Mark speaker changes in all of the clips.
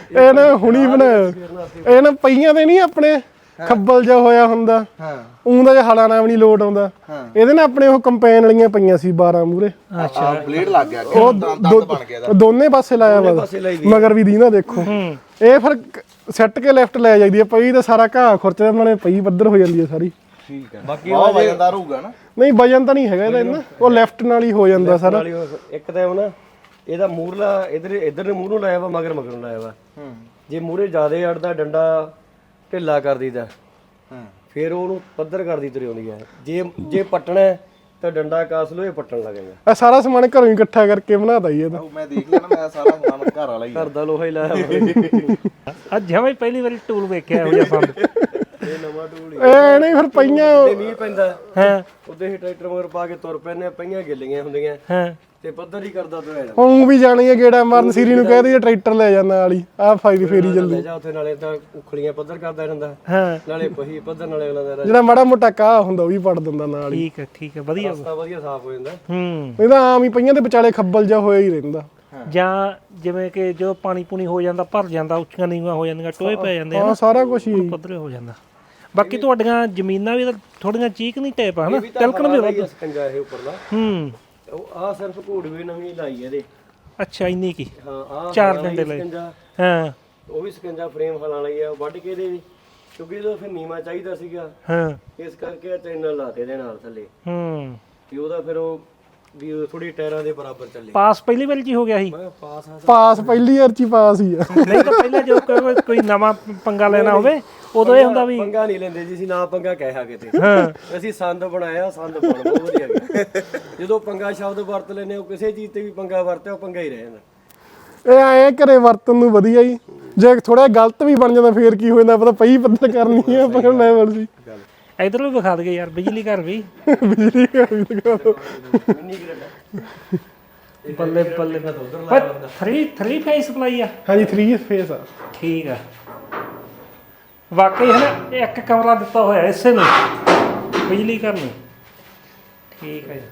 Speaker 1: ਇਹ ਨਾ ਹੁਣੀ ਬਣਾਇਆ ਇਹ ਨਾ ਪਈਆਂ ਤੇ ਨਹੀਂ ਆਪਣੇ ਖੱਬਲ ਜਿਹਾ ਹੋਇਆ ਹੁੰਦਾ ਉਹਦਾ ਜਿਹਾ ਹਲਾ ਨਾਲ ਵੀ ਨਹੀਂ ਲੋਟ ਆਉਂਦਾ ਇਹਦੇ ਨਾਲ ਆਪਣੇ ਉਹ ਕੰਪੈਨ ਵਾਲੀਆਂ ਪਈਆਂ ਸੀ 12 ਮੂਰੇ
Speaker 2: ਅੱਛਾ ਬਲੇਡ ਲੱਗ ਗਿਆ ਉਹ ਦੰਦ ਬਣ ਗਿਆ ਇਹਦਾ
Speaker 1: ਦੋਨੇ ਪਾਸੇ ਲਾਇਆ ਵਾ ਮਗਰ ਵੀ ਦੀ ਨਾ ਦੇਖੋ ਇਹ ਫਿਰ ਸੈੱਟ ਕੇ ਲੈਫਟ ਲੈ ਜਾਂਦੀ ਹੈ ਪਈ ਤਾਂ ਸਾਰਾ ਘਾਹ ਖੁਰਚਦਾ ਉਹਨਾਂ ਨੇ ਪਈ ਪੱਧਰ ਹੋ ਜਾਂਦੀ ਹੈ ਸਾਰੀ
Speaker 2: ਠੀਕ ਹੈ ਬਾਕੀ ਉਹ ਵਜਨਦਾਰ ਹੋਊਗਾ ਨਾ
Speaker 1: ਨਹੀਂ ਵਜਨ ਤਾਂ ਨਹੀਂ ਹੈਗਾ ਇਹਦਾ ਇੰਨਾ ਉਹ ਲੈਫਟ ਨਾਲ ਹੀ ਹੋ ਜਾਂਦਾ ਸਾਰਾ
Speaker 3: ਇੱਕ ਤਾਂ ਉਹ ਨਾ ਇਹਦਾ ਮੂਰਲਾ ਇਧਰ ਨੇ ਮੂੰਹ ਨੂੰ ਲਾਇਆ ਵਾ ਮਗਰ ਨੂੰ ਲਾਇਆ ਵਾ ਜੇ ਮੂਰੇ ਜ਼ਿਆਦਾ ਅੜਦਾ ਡੰਡਾ ਢਿੱਲਾ ਕਰ ਦੀਦਾ ਫਿਰ ਉਹਨੂੰ ਪੱਧਰ ਕਰਦੀ ਤੁਰੀ ਆਉਂਦੀ ਹੈ ਜੇ ਪੱਟਣਾ ਤਾਂ ਡੰਡਾ ਕਾਸ ਲੋ ਇਹ ਪੱਟਣ ਲੱਗ ਜਾਂਦਾ
Speaker 1: ਆ ਸਾਰਾ ਸਮਾਨ ਘਰੋਂ ਹੀ ਇਕੱਠਾ ਕਰਕੇ ਬਣਾਤਾ ਹੀ ਇਹਦਾ
Speaker 2: ਮੈਂ ਦੇਖ ਲਿਆ ਨਾ ਮੈਂ ਸਾਰਾ ਸਮਾਨ ਘਰ ਵਾਲਾ ਹੀ
Speaker 3: ਘਰ ਦਾ ਲੋਹਾ ਹੀ ਲਾਇਆ
Speaker 4: ਅੱਜ ਜਿਵੇਂ ਪਹਿਲੀ ਵਾਰੀ ਟੂਲ ਵੇਖਿਆ ਹੋ ਜਾ ਸੰਦ
Speaker 3: ਇਹ ਨਵਾਂ ਟੂਲ ਹੀ
Speaker 1: ਇਹ ਨਹੀਂ ਫਿਰ ਪਈਆਂ
Speaker 3: ਤੇ ਮੀਂਹ ਪੈਂਦਾ
Speaker 4: ਹਾਂ
Speaker 3: ਉਹਦੇ ਹੀ ਟਰੈਕਟਰ ਮਗਰ ਪਾ ਕੇ ਤੁਰ ਪੈਨੇ ਪਈਆਂ ਗਿੱਲੀਆਂ ਹੁੰਦੀਆਂ
Speaker 4: ਹਾਂ
Speaker 3: ਤੇ ਪੱਧਰ ਹੀ ਕਰਦਾ ਤੁਰਿਆ ਜਾਂਦਾ
Speaker 1: ਹੁਣ ਵੀ ਜਾਣੀ ਹੈ ਗੇੜਾ ਮਾਰਨ ਸੀਰੀ ਨੂੰ ਕਹਿ ਦਈਏ ਟਰੈਕਟਰ ਲੈ ਜਾਂਦਾ ਵਾਲੀ ਆਹ ਫਾਇਦੀ ਫੇਰੀ ਜਲਦੀ
Speaker 3: ਲੈ ਜਾ ਉੱਥੇ ਨਾਲੇ ਤਾਂ ਉਖਲੀਆਂ ਪੱਧਰ ਕਰਦਾ ਰਹਿੰਦਾ
Speaker 4: ਹਾਂ
Speaker 3: ਨਾਲੇ ਪਹੀ ਪੱਧਰ ਨਾਲੇ ਅਗਲਾ ਦਾ
Speaker 1: ਜਿਹੜਾ ਮਾੜਾ ਮੋਟਾ ਕਾਹ ਹੁੰਦਾ ਉਹ ਵੀ ਪੜ ਦਿੰਦਾ ਨਾਲ ਹੀ
Speaker 4: ਠੀਕ ਹੈ ਵਧੀਆ
Speaker 3: ਰਸਤਾ ਵਧੀਆ ਸਾਫ਼ ਹੋ ਜਾਂਦਾ
Speaker 1: ਇਹਦਾ ਆਮ ਹੀ ਪਈਆਂ ਦੇ ਵਿਚਾਲੇ ਖੱਬਲ ਜਿਹਾ ਹੋਇਆ ਹੀ ਰਹਿੰਦਾ
Speaker 4: ਜਾਂ ਜਿਵੇਂ ਕਿ ਜਦੋਂ ਪਾਣੀ ਪੂਣੀ ਹੋ ਜਾਂਦਾ ਭਰ ਜਾਂਦਾ ਉੱਚੀਆਂ ਨੀਵਾਂ ਹੋ ਜਾਂਦੀਆਂ ਟੋਏ ਪੈ ਜਾਂਦੇ
Speaker 1: ਹਾਂ ਸਾਰਾ ਕੁਝ ਹੀ
Speaker 4: ਪੱਧਰੇ ਹੋ ਜਾਂਦਾ ਬਾਕੀ ਤੁਹਾਡੀਆਂ ਜ਼ਮੀਨਾਂ ਵੀ ਥੋੜੀਆਂ ਚੀਕ ਨਹੀਂ ਟੇਪ ਹਨਾ ਤਿਲਕਣ ਵੀ ਵੱਧ
Speaker 3: ਸਕੰਜਾ ਇਹ ਉੱਪਰਲਾ ਉਹ ਆ ਸਿਰਫ ਘੋੜਵੇ ਨਵੀਂ ਲਾਈ ਇਹਦੇ
Speaker 4: ਅੱਛਾ ਇੰਨੀ ਕੀ
Speaker 3: ਹਾਂ ਆ
Speaker 4: 4 ਦਿਨ ਦੇ ਲਈ
Speaker 3: ਸਕੰਜਾ
Speaker 4: ਹਾਂ
Speaker 3: ਉਹ ਵੀ ਸਕੰਜਾ ਫਰੇਮ ਹਲਾਂ ਲਈ ਆ ਵੱਢ ਕੇ ਇਹਦੇ ਵੀ ਕਿਉਂਕਿ ਇਹਦਾ ਫਿਰ ਨੀਵਾ ਚਾਹੀਦਾ ਸੀਗਾ
Speaker 4: ਹਾਂ
Speaker 3: ਇਸ ਕਰਕੇ ਚੈਨਲ ਲਾਤੇ ਦੇ ਨਾਲ ਥੱਲੇ ਤੇ ਉਹਦਾ ਫਿਰ ਉਹ ਵੀ ਥੋੜੀ ਟਾਇਰਾਂ ਦੇ ਬਰਾਬਰ ਚੱਲੇ
Speaker 4: ਪਾਸ ਪਹਿਲੀ ਵਾਰੀ ਜੀ ਹੋ ਗਿਆ ਸੀ
Speaker 3: ਮੈਂ ਪਾਸ ਆ
Speaker 1: ਪਾਸ ਪਹਿਲੀ ਵਾਰ ਚ ਹੀ ਪਾਸ ਹੀ ਆ
Speaker 4: ਨਹੀਂ ਤਾਂ ਪਹਿਲਾਂ ਜਦੋਂ ਕੋਈ ਨਵਾਂ ਪੰਗਾ ਲੈਣਾ ਹੋਵੇ ਉਦੋਂ ਇਹ ਹੁੰਦਾ ਵੀ
Speaker 3: ਪੰਗਾ ਨਹੀਂ ਲੈਂਦੇ ਜੀ ਅਸੀਂ ਨਾ ਪੰਗਾ ਕਹਿਆ ਕਿਤੇ ਅਸੀਂ ਸੰਦ ਬਣਾਇਆ ਸੰਦ ਬਣ ਬਹੁਤ ਵਧੀਆ ਗਿਆ ਜਦੋਂ ਪੰਗਾ ਸ਼ਬਦ ਵਰਤ ਲੈਨੇ ਉਹ ਕਿਸੇ ਚੀਜ਼ ਤੇ ਵੀ ਪੰਗਾ ਵਰਤਿਆ ਉਹ ਪੰਗਾ ਹੀ ਰਹਿ ਜਾਂਦਾ
Speaker 1: ਇਹ ਆਏ ਘਰੇ ਵਰਤਨ ਨੂੰ ਵਧੀਆ ਹੀ ਜੇ ਥੋੜਾ ਗਲਤ ਵੀ ਬਣ ਜਾਂਦਾ ਫੇਰ ਕੀ ਹੋ ਜਾਂਦਾ ਪਤਾ ਪਈ ਪੱਧਰ ਕਰਨੀ ਆ ਪਰ ਲੈਵਲ ਸੀ
Speaker 4: ਇਧਰ ਵੀ ਵਿਖਾ ਦਗੇ ਯਾਰ ਬਿਜਲੀ ਘਰ ਵੀ
Speaker 1: ਬਿਜਲੀ ਘਰ ਵੀ ਦਿਖਾ ਦਿਓ।
Speaker 4: ਬੱਲੇ ਬੱਲੇ ਪਰ 3 ਫੇਸ ਸਪਲਾਈ ਆ
Speaker 1: ਹਾਂਜੀ 3 ਫੇਸ ਆ
Speaker 4: ਠੀਕ ਆ ਵਾਕਈ ਹੈ ਨਾ ਇੱਕ ਕਮਰਾ ਦਿੱਤਾ ਹੋਇਆ ਇਸੇ ਨੂੰ ਬਿਜਲੀ ਘਰ ਨੂੰ ਠੀਕ ਹੈ ਜੀ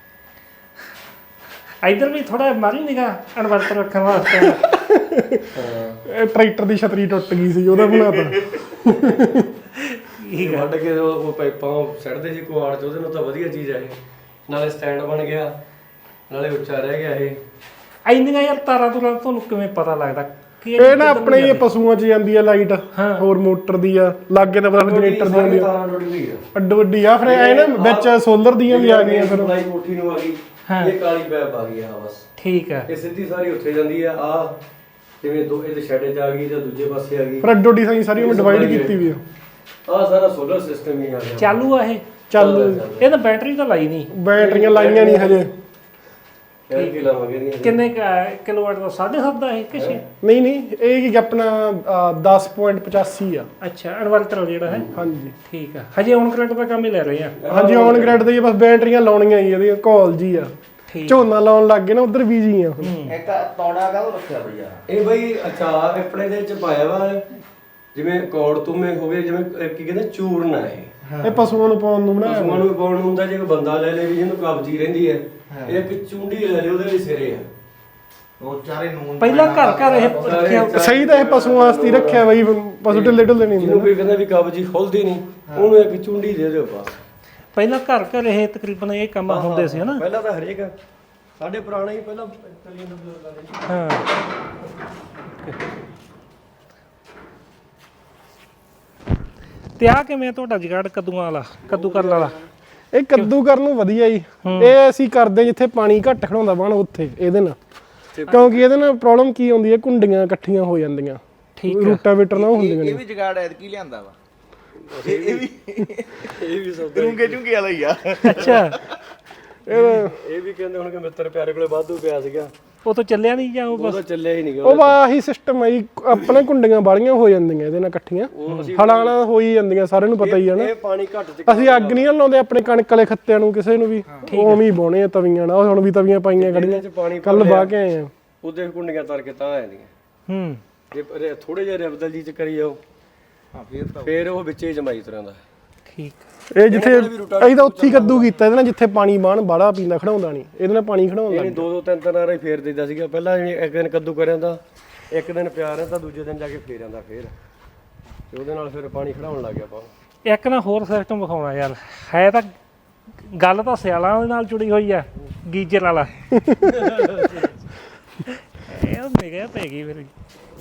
Speaker 4: ਇਧਰ ਵੀ ਥੋੜਾ ਮਾਰੀ ਨਿਗਾ ਇਨਵਰਟਰ ਰੱਖਣ ਵਾਸਤੇ
Speaker 1: ਇਹ ਟਰੈਕਟਰ ਦੀ ਛਤਰੀ ਟੁੱਟ ਗਈ ਸੀ ਉਹਦਾ ਬਣਾਤਾ
Speaker 4: ਠੀਕ ਆ
Speaker 3: ਵੱਢ ਕੇ ਉਹ ਪਾਈਪਾਂ ਸੜਦੇ ਸੀ ਕੁਆੜ ਚ ਉਹਦੇ ਨਾਲ ਤਾਂ ਵਧੀਆ ਚੀਜ਼ ਆ ਇਹ ਨਾਲੇ ਸਟੈਂਡ ਬਣ ਗਿਆ ਨਾਲੇ ਉੱਚਾ ਰਹਿ ਗਿਆ ਇਹ
Speaker 4: ਇੰਨੀਆਂ ਯਾਰ ਤਾਰਾਂ ਤੁਰਾਂ ਤੁਹਾਨੂੰ ਕਿਵੇਂ ਪਤਾ ਲੱਗਦਾ ਕਿ
Speaker 1: ਇਹ ਨਾ ਆਪਣੇ ਹੀ ਪਸ਼ੂਆਂ 'ਚ ਜਾਂਦੀ ਆ ਲਾਈਟ ਹੋਰ ਮੋਟਰ ਦੀ ਆ ਲਾਗੇ ਤਾਂ ਪਤਾ ਜਨਰੇਟਰ ਦੀ ਆਉਂਦੀ ਆ
Speaker 3: ਤਾਰਾਂ ਟੁੱਟ ਗਈ ਆ
Speaker 1: ਅੱਡੋ ਅੱਡੀ ਆ ਫਿਰ ਐ ਨਾ ਵਿੱਚ ਸੋਲਰ ਦੀਆਂ ਵੀ ਆ ਗਈਆਂ ਫਿਰ
Speaker 3: ਲਾਈ ਕੋਠੀ ਨੂੰ ਆ ਗਈ ਇਹ ਕਾਲੀ ਪੈਪ ਆ ਗਈ ਆ ਬਸ
Speaker 4: ਠੀਕ ਆ
Speaker 3: ਇਹ ਸਿੱਧੀ ਸਾਰੀ ਉੱਥੇ ਜਾਂਦੀ ਆ ਜਿਵੇਂ ਦੋ ਇਹਦੇ ਸ਼ੈਡ 'ਚ ਆ ਗਈ ਜਾਂ ਦੂਜੇ ਪਾਸੇ ਆ ਗਈ
Speaker 1: ਫਿਰ ਅੱਡੋ ਅੱਡੀ ਸਾਰੀ ਉਹਨੇ ਡਿਵਾਈਡ ਕੀਤੀ ਵੀ ਆ
Speaker 3: ਸਾਰਾ ਸੋਲਰ ਸਿਸਟਮ ਹੀ ਆ ਗਿਆ
Speaker 4: ਚਾਲੂ ਆ ਇਹ
Speaker 1: ਚੱਲ
Speaker 4: ਇਹ ਤਾਂ ਬੈਟਰੀ ਤਾਂ ਲਾਈ ਨਹੀਂ
Speaker 1: ਬੈਟਰੀਆਂ ਲਾਈਆਂ ਨਹੀਂ ਹਜੇ
Speaker 3: ਕਹਿ ਕੇ ਲਾਵਾਂਗੇ ਨਹੀਂ
Speaker 4: ਕਿੰਨੇ ਕਿਲੋਵਾਟ ਦਾ 7.5 ਦਾ ਇਹ ਕਿਸੇ
Speaker 1: ਨਹੀਂ ਇਹ ਕੀ ਆਪਣਾ 10.85 ਆ
Speaker 4: ਅੱਛਾ ਇਨਵਰਟਰ ਜਿਹੜਾ ਹੈ
Speaker 1: ਹਾਂਜੀ
Speaker 4: ਠੀਕ ਆ ਹਜੇ ਔਨ ਕਰੰਟ ਦਾ ਕੰਮ ਹੀ ਲੈ ਰਹੇ ਆ
Speaker 1: ਹਾਂਜੀ ਔਨ ਗ੍ਰਿਡ ਦੇ ਬਸ ਬੈਟਰੀਆਂ ਲਾਉਣੀਆਂ ਹੀ ਇਹਦੀਆਂ ਕਾਲ ਜੀ ਆ ਝੋਨਾ ਲਾਉਣ ਲੱਗ ਗਏ ਨਾ ਉਧਰ ਬੀਜੀ ਆ
Speaker 2: ਇੱਕ ਤੌੜਾ ਕਾਹਦੋਂ ਰੱਖਿਆ ਭਈਆ
Speaker 3: ਇਹ ਬਈ ਅਚਾਰ ਆਪਣੇ ਦੇ ਚ ਪਾਇਆ ਵਾ ਜਿਵੇਂ ਕੌੜ ਤੁਮੇ ਹੋਵੇ ਜਿਵੇਂ ਕੀ ਕਹਿੰਦੇ ਚੂਰਨ ਆ
Speaker 1: ਇਹ ਪਸ਼ੂਆਂ ਨੂੰ ਪਾਉਣ ਨੂੰ ਬਣਾਇਆ
Speaker 3: ਪਸ਼ੂਆਂ ਨੂੰ ਪਾਉਣ ਨੂੰ ਹੁੰਦਾ ਜੇ ਕੋਈ ਬੰਦਾ ਲੈ ਲੇ ਵੀ ਜਿਹਨੂੰ ਕਬਜੀ ਰਹਿੰਦੀ ਹੈ ਇਹ ਇੱਕ ਚੁੰਡੀ ਲੈ ਲੇ ਉਹਦੇ ਵੀ ਸਿਰੇ ਆ
Speaker 2: ਉਹ ਚਾਰੇ ਨੂਨ
Speaker 4: ਪਹਿਲਾਂ ਘਰ ਇਹ ਰੱਖਿਆ
Speaker 1: ਸਹੀ ਤਾਂ ਇਹ ਪਸ਼ੂਆਂ ਵਾਸਤੇ ਹੀ ਰੱਖਿਆ ਬਈ ਪਸ਼ੂ ਢਿੱਲੇ ਢਿੱਲੇ ਨਹੀਂ
Speaker 3: ਜਿਹਨੂੰ
Speaker 1: ਹੁੰਦੇ
Speaker 3: ਕੋਈ ਕਹਿੰਦਾ ਵੀ ਕਬਜੀ ਖੁੱਲਦੀ ਨਹੀਂ ਉਹਨੂੰ ਇੱਕ ਚੁੰਡੀ ਦੇ ਦਿਓ ਬਸ
Speaker 4: ਪਹਿਲਾਂ ਘਰ ਇਹ ਤਕਰੀਬਨ ਇਹ ਕੰਮ ਹੁੰਦੇ ਸੀ ਹਨਾ
Speaker 3: ਪਹਿਲਾਂ ਤਾਂ ਹਰੇਕ ਸਾਡੇ ਪੁਰਾਣੇ ਹੀ ਪਹਿਲਾਂ ਚੱਲੀ ਜਾਂਦੇ ਬਜ਼ੁਰਗਾਂ ਦੇ
Speaker 4: ਹਾਂ ਤੇ ਆ ਕਿਵੇਂ ਤੁਹਾਡਾ ਜਗਾੜ ਕੱਦੂਆਂ ਵਾਲਾ ਕੱਦੂ ਕਰਨ ਵਾਲਾ
Speaker 1: ਇਹ ਕੱਦੂ ਕਰਨ ਨੂੰ ਵਧੀਆ ਜੀ ਇਹ ਅਸੀਂ ਕਰਦੇ ਜਿੱਥੇ ਪਾਣੀ ਘੱਟ ਖੜਾਉਂਦਾ ਬਣ ਉੱਥੇ ਇਹਦੇ ਨਾਲ ਕਿਉਂਕਿ ਇਹਦੇ ਨਾਲ ਪ੍ਰੋਬਲਮ ਕੀ ਆਉਂਦੀ ਹੈ ਕੁੰਡੀਆਂ ਇਕੱਠੀਆਂ ਹੋ ਜਾਂਦੀਆਂ
Speaker 4: ਠੀਕ
Speaker 1: ਰੂਟਾਵੇਟਰ ਨਾਲ ਹੁੰਦੀਆਂ
Speaker 2: ਇਹ ਵੀ ਜਗਾੜ ਐਤਕੀ ਲਿਆਂਦਾ ਵਾ ਇਹ ਵੀ ਸਭ ਚੁੰਗੇ ਵਾਲਾ ਹੀ ਆ
Speaker 4: ਅੱਛਾ
Speaker 3: ਇਹ ਵੀ ਕਹਿੰਦੇ ਹੁਣ ਕਿ ਮਿੱਤਰ ਪਿਆਰੇ ਕੋਲੇ ਵਾਧੂ ਪਿਆ ਸੀਗਾ
Speaker 4: ਉਹ ਤਾਂ ਚੱਲਿਆ ਨਹੀਂ ਜਾਂ ਉਹ
Speaker 3: ਉਹ ਤਾਂ ਚੱਲਿਆ ਹੀ ਨਹੀਂ
Speaker 1: ਉਹ ਆਹੀ ਸਿਸਟਮ ਹੈ ਜੀ ਆਪਣੇ ਕੁੰਡੀਆਂ ਬਾਲੀਆਂ ਹੋ ਜਾਂਦੀਆਂ ਇਹਦੇ ਨਾਲ ਇਕੱਠੀਆਂ ਹਲਾਣਾ ਹੋ ਹੀ ਜਾਂਦੀਆਂ ਸਾਰਿਆਂ ਨੂੰ ਪਤਾ ਹੀ ਹੈ ਨਾ
Speaker 3: ਇਹ ਪਾਣੀ ਘੱਟ ਚ
Speaker 1: ਅਸੀਂ ਅੱਗ ਨਹੀਂ ਲਾਉਂਦੇ ਆਪਣੇ ਕਣਕ ਵਾਲੇ ਖੱਤਿਆਂ ਨੂੰ ਕਿਸੇ ਨੂੰ ਵੀ ਉਵੇਂ ਹੀ ਬਾਉਣੇ ਆ ਤਵੀਆਂ ਨਾਲ ਹੁਣ ਵੀ ਤਵੀਆਂ ਪਾਈਆਂ ਖੜੀਆਂ ਕੱਲ ਬਾਹ ਕੇ ਆਏ ਆ
Speaker 3: ਉਹਦੇ ਕੁੰਡੀਆਂ ਤਰ ਕੇ ਤਾਂ ਆ ਜਾਂਦੀਆਂ ਜੇ ਥੋੜੇ ਜਿਹਾ ਰਬਦਲ ਜੀ ਚ ਕਰੀ ਜਾਓ ਫੇਰ ਉਹ ਵਿੱਚੇ ਜਮਾਈ ਤੁਰਾਂ ਦਾ
Speaker 4: ਠੀਕ
Speaker 1: ਇਹ ਜਿੱਥੇ ਅਸੀਂ ਤਾਂ ਉੱਥੇ ਹੀ ਕੱਦੂ ਕੀਤਾ ਇਹਦੇ ਨਾਲ ਜਿੱਥੇ ਪਾਣੀ ਬਾਣ ਬਾੜਾ ਪੀਂਦਾ ਖੜਾਉਂਦਾ ਨਹੀਂ ਇਹਦੇ ਨਾਲ ਪਾਣੀ ਖੜਾਉਣ ਲੱਗ
Speaker 3: ਦੋ ਤਿੰਨ ਵਾਰੀ ਫੇਰ ਦਿੰਦਾ ਸੀਗਾ ਪਹਿਲਾਂ ਇੱਕ ਦਿਨ ਕੱਦੂ ਕਰਿਆ ਤਾਂ ਇੱਕ ਦਿਨ ਪਿਆ ਰਹਿੰਦਾ ਦੂਜੇ ਦਿਨ ਜਾ ਕੇ ਫੇਰ ਆਂਦਾ ਫੇਰ ਤੇ ਉਹਦੇ ਨਾਲ ਫਿਰ ਪਾਣੀ ਖੜਾਉਣ ਲੱਗ ਗਿਆ ਆਪਾਂ
Speaker 4: ਇੱਕ ਨਾ ਹੋਰ ਸਿਸਟਮ ਵਿਖਾਉਣਾ ਯਾਰ ਹੈ ਤਾਂ ਗੱਲ ਤਾਂ ਸਿਆਲਾਂ ਦੇ ਨਾਲ ਜੁੜੀ ਹੋਈ ਆ ਗੀਜ਼ਰ ਵਾਲਾ ਇਹ ਨਿਗਾਹ ਪੈ ਗਈ ਫਿਰ